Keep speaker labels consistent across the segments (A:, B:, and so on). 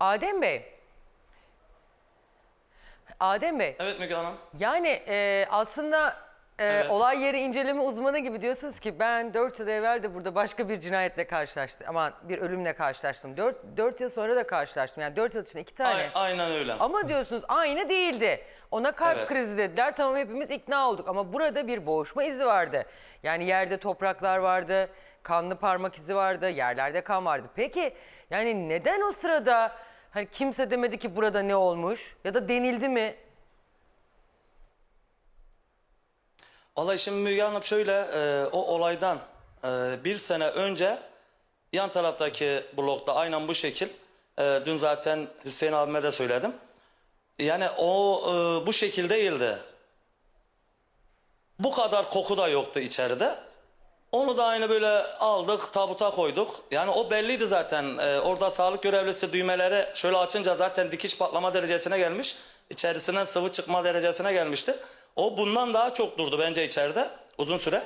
A: Adem Bey. Adem Bey.
B: Evet Müge Hanım.
A: Yani aslında
B: Evet.
A: olay yeri inceleme uzmanı gibi diyorsunuz ki ben 4 yıl evvel de burada başka bir cinayetle karşılaştım. Aman bir ölümle karşılaştım. 4 yıl sonra da karşılaştım. Yani 4 yıl içinde 2 tane.
B: Aynen öyle.
A: Ama diyorsunuz aynı değildi. Ona kalp
B: Evet.
A: krizi dediler. Tamam hepimiz ikna olduk. Ama burada bir boğuşma izi vardı. Yani yerde topraklar vardı. Kanlı parmak izi vardı. Yerlerde kan vardı. Peki yani neden o sırada hani kimse demedi ki burada ne olmuş? Ya da denildi mi?
B: Olay şimdi Müge Hanım şöyle o olaydan bir sene önce yan taraftaki blokta aynen bu şekil dün zaten Hüseyin abime de söyledim. Yani o bu şekil değildi. Bu kadar koku da yoktu içeride. Onu da aynı böyle aldık tabuta koyduk. Yani o belliydi zaten. Orada sağlık görevlisi düğmeleri şöyle açınca zaten dikiş patlama derecesine gelmiş. İçerisinden sıvı çıkma derecesine gelmişti. O bundan daha çok durdu bence içeride uzun süre.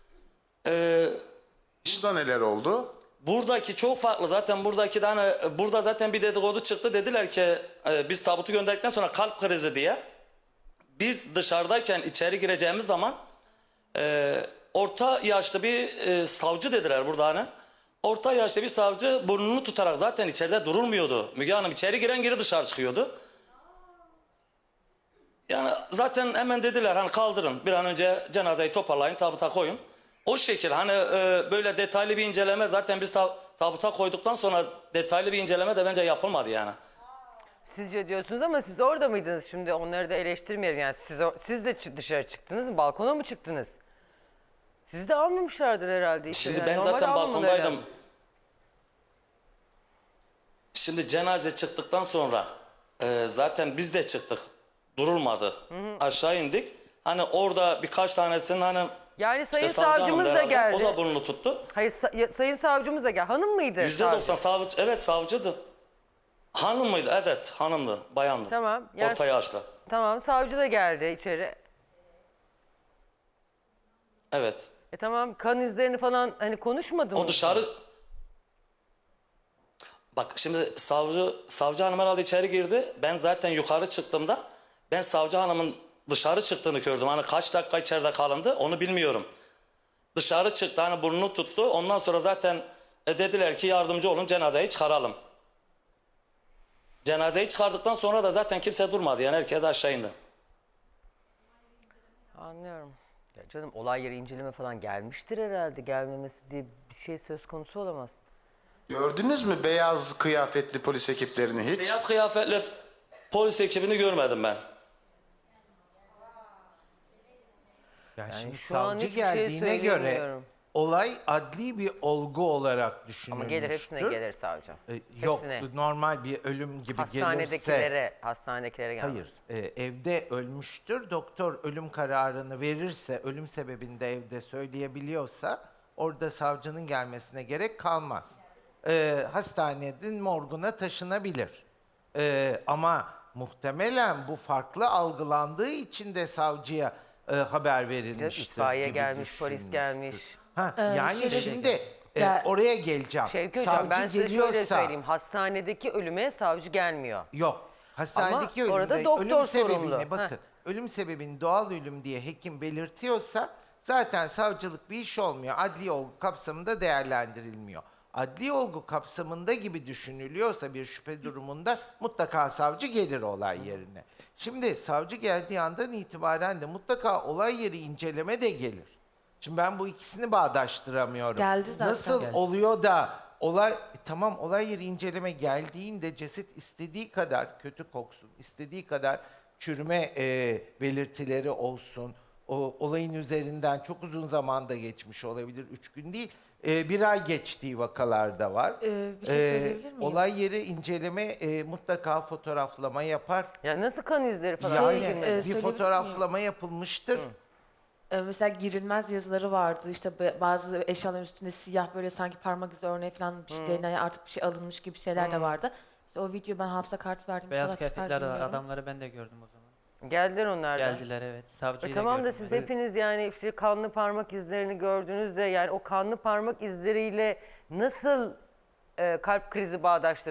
C: Burada neler oldu?
B: Buradaki çok farklı. Zaten buradaki de hani burada zaten bir dedikodu çıktı. Dediler ki biz tabutu gönderdikten sonra kalp krizi diye. Biz dışarıdayken içeri gireceğimiz zaman orta yaşlı bir savcı dediler burada hani. Orta yaşlı bir savcı burnunu tutarak zaten içeride durulmuyordu. Müge Hanım içeri giren geri dışarı çıkıyordu. Yani zaten hemen dediler hani kaldırın bir an önce cenazeyi toparlayın tabuta koyun. O şekil hani böyle detaylı bir inceleme zaten biz tabuta koyduktan sonra detaylı bir inceleme de bence yapılmadı yani.
A: Sizce diyorsunuz ama siz orada mıydınız şimdi onları da eleştirmeyelim. Yani siz de dışarı çıktınız mı? Balkona mı çıktınız? Sizi de almamışlardır herhalde. Işte.
B: Şimdi
A: Yani
B: ben
A: normal
B: zaten
A: almamaları
B: balkondaydım.
A: lazım.
B: Şimdi cenaze çıktıktan sonra zaten biz de çıktık. Durulmadı. Aşağı indik. Hani orada birkaç tanesinin hani
A: Yani sayın
B: savcı hanım
A: savcımız da
B: herhalde,
A: geldi.
B: o da burnunu tuttu.
A: Hayır sayın savcımız da geldi. Hanım mıydı? savcı?
B: %90 savcı, evet savcıydı. Hanım mıydı? Evet hanımdı, bayandı.
A: Tamam. Yani,
B: Orta yaşlı.
A: Tamam savcı da geldi içeri.
B: Evet.
A: Tamam kan izlerini falan hani konuşmadı mı?
B: O dışarı... Bak şimdi savcı hanım herhalde içeri girdi. Ben zaten yukarı çıktığımda ben savcı hanımın dışarı çıktığını gördüm. Hani kaç dakika içeride kalındı onu bilmiyorum. Dışarı çıktı hani burnunu tuttu. Ondan sonra zaten dediler ki yardımcı olun cenazeyi çıkaralım. Cenazeyi çıkardıktan sonra da zaten kimse durmadı. Yani herkes aşağı indi.
A: Anlıyorum. Ya canım olay yeri inceleme falan gelmiştir herhalde. Gelmemesi diye bir şey söz konusu olamaz.
C: Gördünüz mü beyaz kıyafetli polis ekiplerini hiç?
B: Beyaz kıyafetli polis ekibini görmedim ben.
D: Yani şimdi
A: şu an
D: savcı
A: hiçbir şey
D: geldiğine göre
A: söyleyemiyorum.
D: olay adli bir olgu olarak
A: Ama
D: düşünülmüştür.
A: gelir hepsine gelir savcı.
D: Yok
A: Hepsine.
D: normal bir ölüm gibi
A: Hastanedekilere gelmez.
D: hayır evde ölmüştür. Doktor ölüm kararını verirse ölüm sebebini de evde söyleyebiliyorsa orada savcının gelmesine gerek kalmaz. Hastanenin morguna taşınabilir. Ama muhtemelen bu farklı algılandığı için de savcıya haber verilmiştir.
A: İtfaiye
D: gibi
A: gelmiş, polis
D: düşünmüştür.
A: gelmiş.
D: Yani şimdi
E: Gel-
D: oraya geleceğim.
A: Şevki Hocam ben size şöyle
D: geliyorsa
A: söyleyeyim. Hastanedeki ölüme savcı gelmiyor.
D: yok. Hastanedeki
A: Ama orada
D: ölümde
A: doktor
D: ölüm sebebini
A: sorumlu.
D: bakın. Ölüm sebebini doğal ölüm diye hekim belirtiyorsa zaten savcılık bir iş olmuyor. Adli olgu kapsamında değerlendirilmiyor. Adli olgu kapsamında gibi düşünülüyorsa bir şüphe durumunda mutlaka savcı gelir olay yerine. Şimdi savcı geldiği andan itibaren de mutlaka olay yeri inceleme de gelir. Şimdi ben bu ikisini bağdaştıramıyorum.
E: Geldi zaten.
D: Nasıl
E: Geldi.
D: oluyor da tamam olay yeri inceleme geldiğinde ceset istediği kadar kötü koksun, istediği kadar çürüme belirtileri olsun. O olayın üzerinden çok uzun zamanda geçmiş olabilir, 3 gün değil. 1 ay geçtiği vakalarda var.
E: Bir şey söyleyebilir miyim?
D: Olay yeri inceleme mutlaka fotoğraflama yapar.
A: Ya nasıl kan izleri falan?
D: Yani
A: çekilmedi?
D: bir
E: söyleyebilir
D: fotoğraflama yapılmıştır.
E: Mesela girilmez yazıları vardı. İşte bazı eşyaların üstünde siyah böyle sanki parmak izi örneği falan bir şey DNA artık bir şey alınmış gibi şeyler de vardı. İşte o video ben hafıza kartı verdim.
F: Beyaz
E: İnşallah çıkar
F: kıyafetler de var.
E: bilmiyorum.
F: Adamları ben de gördüm o zaman.
A: Geldiler onlar da.
F: Geldiler evet. Savcıyı da
A: Tamam da
F: gördüm
A: siz
F: ben.
A: hepiniz yani işte kanlı parmak izlerini gördüğünüzde yani o kanlı parmak izleriyle nasıl kalp krizi bağdaştırıldı?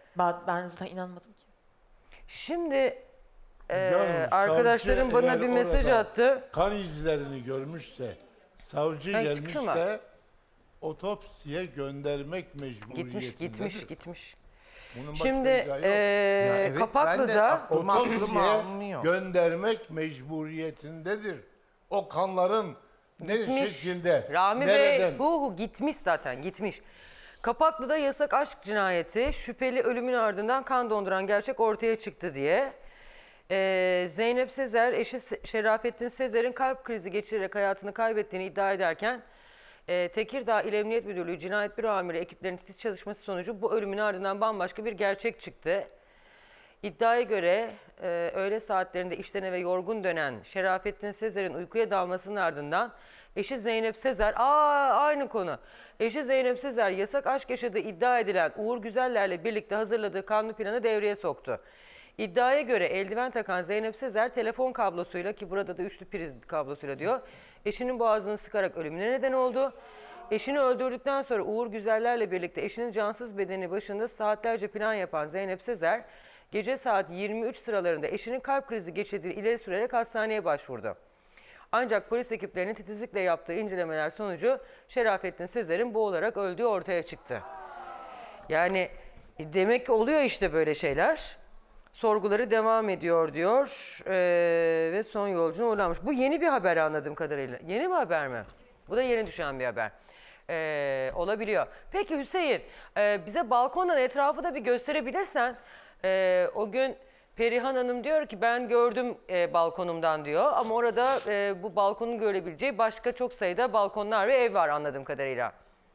E: Ben zaten inanmadım ki.
A: Şimdi
G: Canım,
A: arkadaşlarım
G: savcı
A: bana
G: eğer
A: bir mesaj
G: orada
A: attı.
G: Kan izlerini görmüşse, savcı
A: Ben
G: gelmiş
A: çıkışım var.
G: de otopsiye göndermek mecburiyetindedir.
A: Gitmiş.
G: Bunun başka
A: Şimdi
G: izahı yok.
D: Evet, ben de
A: Kapaklı'da
D: aklıma
G: Otopsiye
D: almıyor.
G: göndermek mecburiyetindedir. O kanların ne
A: gitmiş.
G: şekilde,
A: Rami
G: nereden?
A: Bey gitmiş zaten gitmiş. Kapaklı'da yasak aşk cinayeti, şüpheli ölümün ardından kan donduran gerçek ortaya çıktı diye. Zeynep Sezer, eşi Şerafettin Sezer'in kalp krizi geçirerek hayatını kaybettiğini iddia ederken Tekirdağ İl Emniyet Müdürlüğü Cinayet Büro Amiri ekiplerinin titiz çalışması sonucu bu ölümün ardından bambaşka bir gerçek çıktı. İddiaya göre öğle saatlerinde işten eve yorgun dönen Şerafettin Sezer'in uykuya dalmasının ardından eşi Zeynep Sezer, aynı konu. Eşi Zeynep Sezer yasak aşk yaşadığı iddia edilen Uğur Güzeller'le birlikte hazırladığı kanlı planı devreye soktu. İddiaya göre eldiven takan Zeynep Sezer telefon kablosuyla, ki burada da üçlü priz kablosuyla diyor, eşinin boğazını sıkarak ölümüne neden oldu. Eşini öldürdükten sonra Uğur Güzeller'le birlikte eşinin cansız bedeni başında saatlerce plan yapan Zeynep Sezer, gece saat 23 sıralarında eşinin kalp krizi geçirdiğini ileri sürerek hastaneye başvurdu. Ancak polis ekiplerinin titizlikle yaptığı incelemeler sonucu Şerafettin Sezer'in boğularak öldüğü ortaya çıktı. Yani demek ki oluyor işte böyle şeyler. Sorguları devam ediyor diyor ve son yolcuna uğurlanmış. Bu yeni bir haber anladığım kadarıyla. Yeni bir haber mi? Bu da yeni düşen bir haber. Olabiliyor. Peki Hüseyin, bize balkondan etrafı da bir gösterebilirsen. O gün Perihan Hanım diyor ki ben gördüm balkonumdan diyor. Ama orada bu balkonun görebileceği başka çok sayıda balkonlar ve ev var anladığım kadarıyla.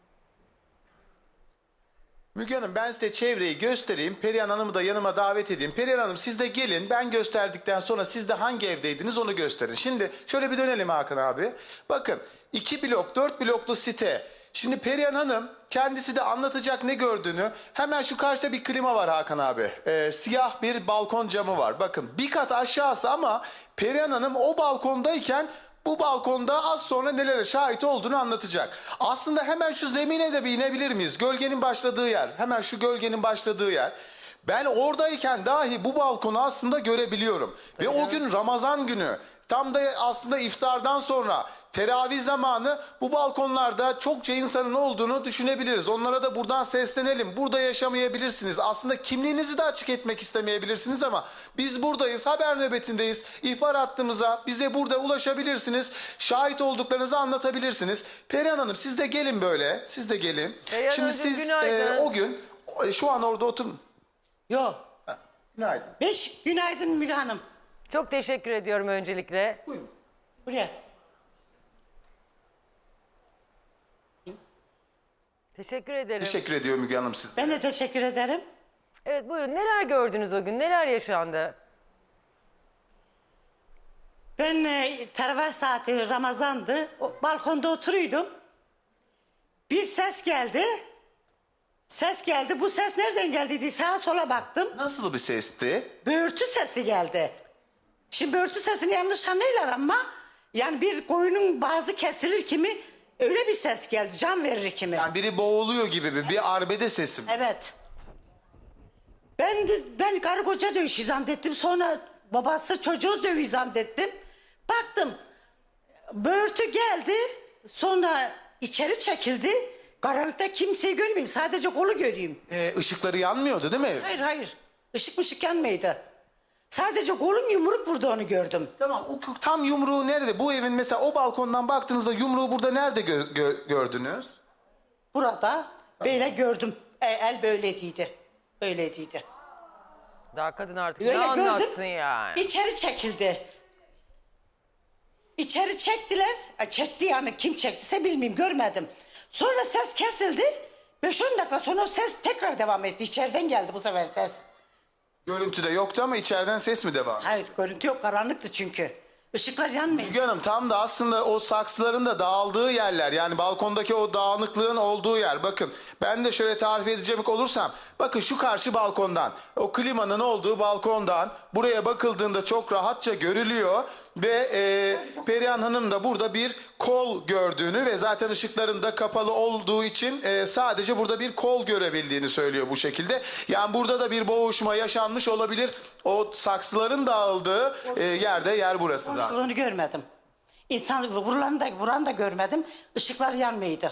C: Müge Hanım, ben size çevreyi göstereyim. Perihan Hanım'ı da yanıma davet edeyim. Perihan Hanım, siz de gelin. Ben gösterdikten sonra siz de hangi evdeydiniz onu gösterin. Şimdi şöyle bir dönelim Hakan abi. Bakın 2 blok 4 bloklu site. Şimdi Perihan Hanım kendisi de anlatacak ne gördüğünü. Hemen şu karşıda bir klima var Hakan abi. Siyah bir balkon camı var. Bakın bir kat aşağısı ama Perihan Hanım o balkondayken bu balkonda az sonra nelere şahit olduğunu anlatacak. Aslında hemen şu zemine de bir inebilir miyiz? Gölgenin başladığı yer. Hemen şu gölgenin başladığı yer. Ben oradayken dahi bu balkonu aslında görebiliyorum. Ve o gün Ramazan günü. Tam da aslında iftardan sonra teravih zamanı bu balkonlarda çokça insanın olduğunu düşünebiliriz. Onlara da buradan seslenelim. Burada yaşamayabilirsiniz. Aslında kimliğinizi de açık etmek istemeyebilirsiniz ama biz buradayız. Haber nöbetindeyiz. İhbar hattımıza bize burada ulaşabilirsiniz. Şahit olduklarınızı anlatabilirsiniz. Perihan Hanım siz de gelin böyle. Siz de gelin.
A: Perihan
C: Şimdi
A: Hanımcığım,
C: siz
A: günaydın.
C: o gün şu an orada oturun.
H: Yok.
C: Günaydın.
H: Günaydın Müge Hanım.
A: Çok teşekkür ediyorum öncelikle.
H: Buraya.
A: Teşekkür ederim.
C: Teşekkür ediyorum Müge Hanım size.
H: Ben de teşekkür ederim.
A: Evet buyurun, neler gördünüz o gün? Neler yaşandı?
H: Ben teravih saati Ramazan'dı. Balkonda oturuyordum. Bir ses geldi. Ses geldi. Bu ses nereden geldi diye sağa sola baktım.
C: Nasıl bir sesti?
H: Böğürtü sesi geldi. Şimdi böğürtü sesini yanlış anlayırlar ama yani bir koyunun bazı kesilir kimi öyle bir ses geldi. Can verir kimi.
C: Yani biri boğuluyor gibi bir arbede sesi mi?
H: Evet. Ben karı koca dövüşü zannettim. Sonra babası çocuğu dövüşü zannettim. Baktım böğürtü geldi. Sonra içeri çekildi. Karanlıkta kimseyi görmeyeyim. Sadece kolu göreyim.
C: Işıkları yanmıyordu değil mi?
H: Hayır. Işık mışık yanmaydı. Sadece kolum yumruk vurdu, onu gördüm.
C: Tamam, o tam yumruğu nerede? Bu evin mesela o balkondan baktığınızda yumruğu burada nerede gördünüz?
H: Burada böyle gördüm. El böyleydi. Böyleydi.
A: Daha kadın artık
H: Öyle
A: ne
H: gördüm.
A: anlatsın yani?
H: İçeri çekildi. İçeri çektiler. Çekti yani, kim çektiyse bilmiyorum, görmedim. Sonra ses kesildi. 5-10 dakika sonra o ses tekrar devam etti. İçeriden geldi bu sefer ses.
C: Görüntüde yoktu ama içeriden ses mi devam?
H: Hayır, görüntü yok, karanlıktı çünkü. Işıklar yanmıyor.
C: Müge Hanım, tam da aslında o saksıların da dağıldığı yerler, yani balkondaki o dağınıklığın olduğu yer. Bakın ben de şöyle tarif edecek olursam, bakın şu karşı balkondan, o klimanın olduğu balkondan buraya bakıldığında çok rahatça görülüyor. Ve Perihan Hanım da burada bir kol gördüğünü ve zaten ışıkların da kapalı olduğu için sadece burada bir kol görebildiğini söylüyor bu şekilde. Yani burada da bir boğuşma yaşanmış olabilir. O saksıların dağıldığı yer burası zaten.
H: Konuştuğunu görmedim. İnsan vuran da görmedim. Işıklar yanmıyordu.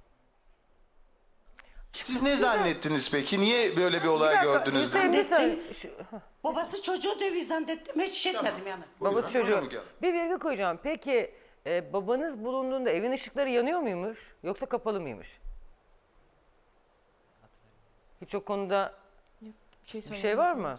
C: Siz ne zannettiniz peki? Niye böyle bir olay gördünüz?
A: Hüseyin, bir saniye.
H: Babası çocuğu döviz zannettim. Hiç şey etmedim yani.
A: Babası
C: Buyurun,
A: çocuğu.
C: Müge Hanım.
A: Bir virgül koyacağım. Peki babanız bulunduğunda evin ışıkları yanıyor muymuş yoksa kapalı mıymış? Hiç o konuda bir şey var mı?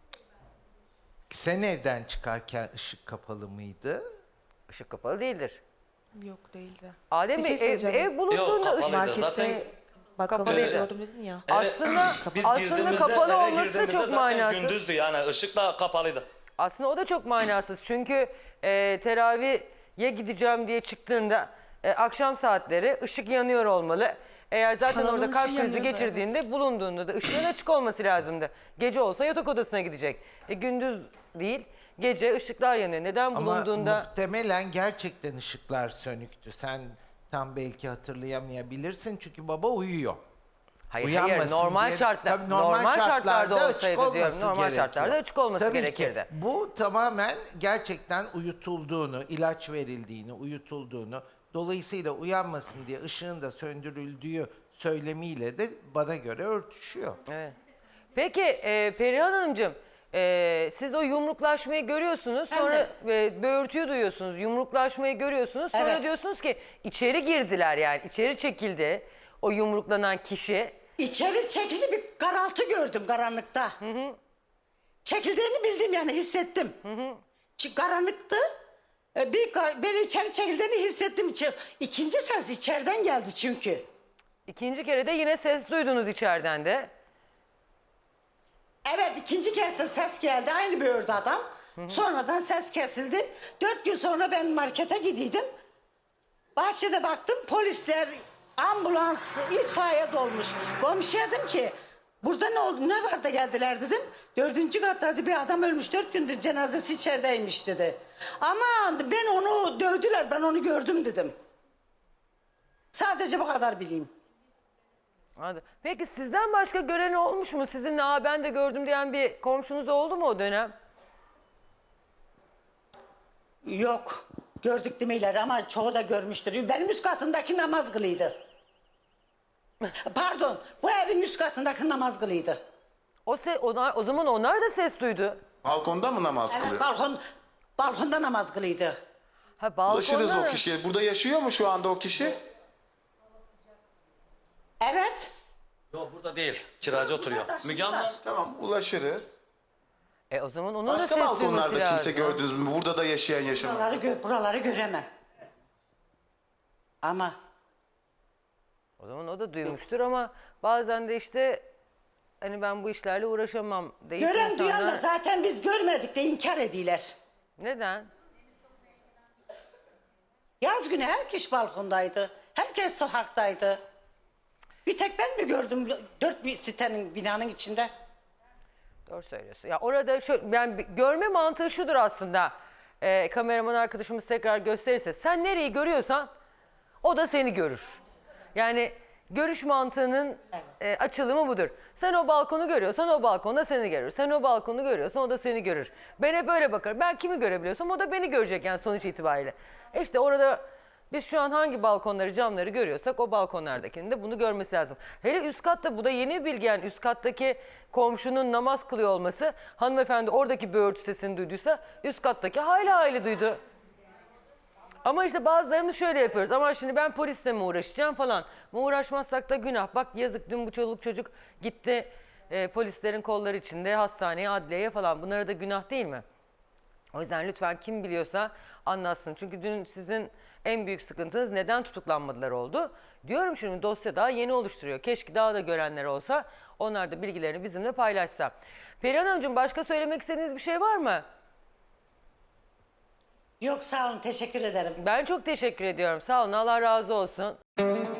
D: Sen evden çıkarken ışık kapalı mıydı?
A: Işık kapalı değildir.
E: Yok değildi.
A: Adem
E: Bir
A: Bey
E: şey söyleyeceğim.
A: ev bulunduğunda
B: Yok,
A: ışık...
B: kapalıydı.
E: Markette
B: Zaten
E: bakkalda
A: kapalıydı.
E: gördüm dedin ya.
A: Aslında,
B: biz
A: aslında
B: girdiğimizde,
A: kapalı
B: eve
A: olması da
B: girdiğimizde
A: çok
B: zaten
A: manasız.
B: gündüzdü yani ışıkla kapalıydı.
A: Aslında o da çok manasız. Çünkü teraviye gideceğim diye çıktığında akşam saatleri ışık yanıyor olmalı. Eğer zaten
E: Kanalın
A: orada kalp
E: ışığı
A: krizi
E: yanıyordu,
A: geçirdiğinde bulunduğunda da ışığın açık olması lazımdı. Gece olsa yatak odasına gidecek. Gündüz değil, gece ışıklar yanıyor. Neden
D: Ama
A: bulunduğunda...
D: muhtemelen gerçekten ışıklar sönüktü. Sen tam belki hatırlayamayabilirsin çünkü baba uyuyor.
A: Hayır,
D: Uyanmasın
A: normal
D: diye-
A: şartlar,
D: Tabii
A: normal şartlarda
D: açık
A: olsaydı diyorum.
D: olması
A: Normal
D: gerekiyor.
A: şartlarda açık olması
D: Tabii
A: gerekirdi.
D: Ki. Bu tamamen gerçekten uyutulduğunu, ilaç verildiğini, uyutulduğunu, dolayısıyla uyanmasın diye ışığın da söndürüldüğü söylemiyle de bana göre örtüşüyor.
A: Evet. Peki Perihan Hanımcığım, siz o yumruklaşmayı görüyorsunuz, sonra böğürtüyü duyuyorsunuz, yumruklaşmayı görüyorsunuz, sonra
H: Evet.
A: diyorsunuz ki içeri girdiler, yani içeri çekildi o yumruklanan kişi.
H: İçeri çekildi, bir karaltı gördüm karanlıkta. Çekildiğini bildim yani, hissettim. Çünkü karanlıktı. Beni içeri çekildiğini hissettim. İkinci ses içeriden geldi çünkü.
A: İkinci kere de yine ses duydunuz içeriden de.
H: Evet, ikinci kez de ses geldi. Aynı böğürdü adam. Sonradan ses kesildi. 4 gün sonra ben markete gidiydim. Bahçede baktım, polisler, ambulans, itfaiye dolmuş. Komşuya dedim ki, burada ne oldu, ne var da geldiler dedim. 4. katta dedi, bir adam ölmüş, 4 gündür cenazesi içerideymiş dedi. Ama ben onu dövdüler, ben onu gördüm dedim. Sadece bu kadar bileyim.
A: Anladım. Peki sizden başka gören olmuş mu? Sizinle ben de gördüm diyen bir komşunuz oldu mu o dönem?
H: Yok, gördük demeyiler ama çoğu da görmüştür. Benim üst katındaki namaz kılıydı. Pardon, bu evin üst katındaki namaz kılıydı.
A: O zaman onlar da ses duydu.
C: Balkonda mı namaz
H: Evet,
C: kılıyor?
H: balkonda namaz kılıydı.
A: Ha, balkonda
C: Ulaşırız o
A: mı?
C: kişiye. Burada yaşıyor mu şu anda o kişi?
H: Evet.
B: Yok burada değil. Kiracı oturuyor. Müge Hanım.
C: Tamam, ulaşırız.
A: O zaman onun da
C: Başka
A: ses duyması
C: balkonlarda kimse
A: lazım.
C: gördünüz mü? Burada da yaşayan yaşamayan.
H: Buraları göremem. Ama
A: O zaman o da duymuştur ama bazen de işte hani ben bu işlerle uğraşamam deyip
H: gören duyan da
A: insanlar...
H: zaten biz görmedik de inkar ediler.
A: Neden?
H: Yaz günü herkes balkondaydı. Herkes sokaktaydı. Bir tek ben mi gördüm 4 bir sitenin, binanın içinde?
A: Doğru söylüyorsun. Ya orada yani görme mantığı şudur aslında. Kameraman arkadaşımız tekrar gösterirse sen nereyi görüyorsan o da seni görür. Yani görüş mantığının açılımı budur. Sen o balkonu görüyorsan o balkon da seni görür. Sen o balkonu görüyorsan o da seni görür. Ben hep öyle bakarım. Ben kimi görebiliyorsam o da beni görecek yani sonuç itibariyle. İşte orada biz şu an hangi balkonları, camları görüyorsak o balkonlardakinin de bunu görmesi lazım. Hele üst katta, bu da yeni bilgi, yani üst kattaki komşunun namaz kılıyor olması, hanımefendi oradaki böğürtü sesini duyduysa üst kattaki hayli duydu. Ama işte bazılarımız şöyle yapıyoruz. Ama şimdi ben polisle mi uğraşacağım falan. Ama uğraşmazsak da günah. Bak yazık, dün bu çoluk çocuk gitti polislerin kolları içinde hastaneye, adliyeye falan. Bunlara da günah değil mi? O yüzden lütfen kim biliyorsa anlatsın. Çünkü dün sizin en büyük sıkıntınız neden tutuklanmadılar oldu. Diyorum şimdi dosya daha yeni oluşturuyor. Keşke daha da görenler olsa, onlar da bilgilerini bizimle paylaşsa. Perihan Hanımcığım, başka söylemek istediğiniz bir şey var mı?
H: Yok, sağ olun, teşekkür ederim.
A: Ben çok teşekkür ediyorum. Sağ olun, Allah razı olsun.